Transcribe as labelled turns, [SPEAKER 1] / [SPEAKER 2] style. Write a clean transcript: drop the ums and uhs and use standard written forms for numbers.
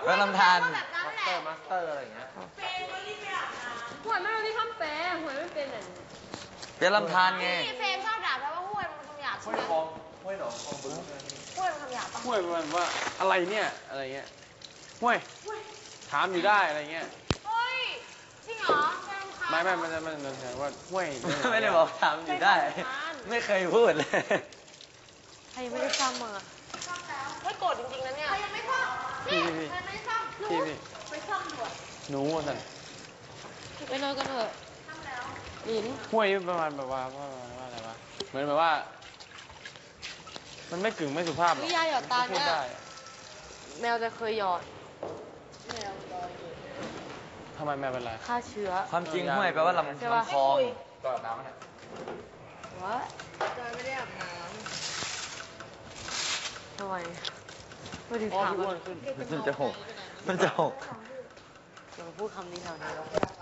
[SPEAKER 1] ก็ลำธาร
[SPEAKER 2] มาสเตอร์อะไรอย่างเงี้ย
[SPEAKER 3] หวยไม่รู้ที่คำแปลหวยไม่เป็นอ่ะ
[SPEAKER 1] เป็นลำธารไง
[SPEAKER 4] นี่เฟรมชอบด่าแปลว่าห้วยมันคำหยาบใช่
[SPEAKER 2] ห้วย
[SPEAKER 4] ไหม
[SPEAKER 2] คลองห้วยหนองคลองบึ้ง
[SPEAKER 4] ห้วยมันคำหยาบปะ
[SPEAKER 2] ห้วยประมาณว่าอะไรเนี่ยอะไรเงี้ยห้วยถามอยู่ได้อะไรเงี้ย
[SPEAKER 4] เฮ้ยจริงเหรอเฟรมคะ
[SPEAKER 2] ไม่มันจะแสดงว่าห้วย
[SPEAKER 1] ไม่ได้บอกทำอยู่ได้ ไม่เคยพูดเลย
[SPEAKER 3] ใครไม่ได้ซ้ำมึงอ่ะ
[SPEAKER 4] ไม่โกรธจริงๆนะเนี่ยใครยังไม่ซ่อมนี่ใครไม่ซ่อม
[SPEAKER 2] พี่
[SPEAKER 4] ไปซ่อมด่วน
[SPEAKER 2] หนูว่าสัน
[SPEAKER 3] ไปนอนกันเถอะ
[SPEAKER 4] ซ่อมแล้ว
[SPEAKER 3] หลิน
[SPEAKER 2] ห้วยประมาณแบบว่าอะไรวะเหมือนแบบว่า มันไม่กึ่งไม่สุภาพหรอก
[SPEAKER 3] วิยาหยอดตา
[SPEAKER 2] พู
[SPEAKER 3] เนี่
[SPEAKER 2] ด
[SPEAKER 3] ย
[SPEAKER 2] ได้
[SPEAKER 3] แมวจะเคยหยอด
[SPEAKER 2] ทำไมแม่เป็นไร
[SPEAKER 3] ฆ่าเชื้อ
[SPEAKER 1] ความจริงห้วยแปลว่าลำ
[SPEAKER 3] ใช่ปะ
[SPEAKER 1] คลอง
[SPEAKER 2] ก่อนน้ำนะ
[SPEAKER 3] วะ
[SPEAKER 4] จอยไม่ได้อาบน้
[SPEAKER 3] ทำไมไม่ถึง
[SPEAKER 2] อ๋อ
[SPEAKER 3] ถาม
[SPEAKER 2] พี่อ้
[SPEAKER 3] ว่า
[SPEAKER 2] วนขึ้น
[SPEAKER 1] มันจะหก มันจะหก
[SPEAKER 3] เราพูดคำนี้แถวนี้แล้ว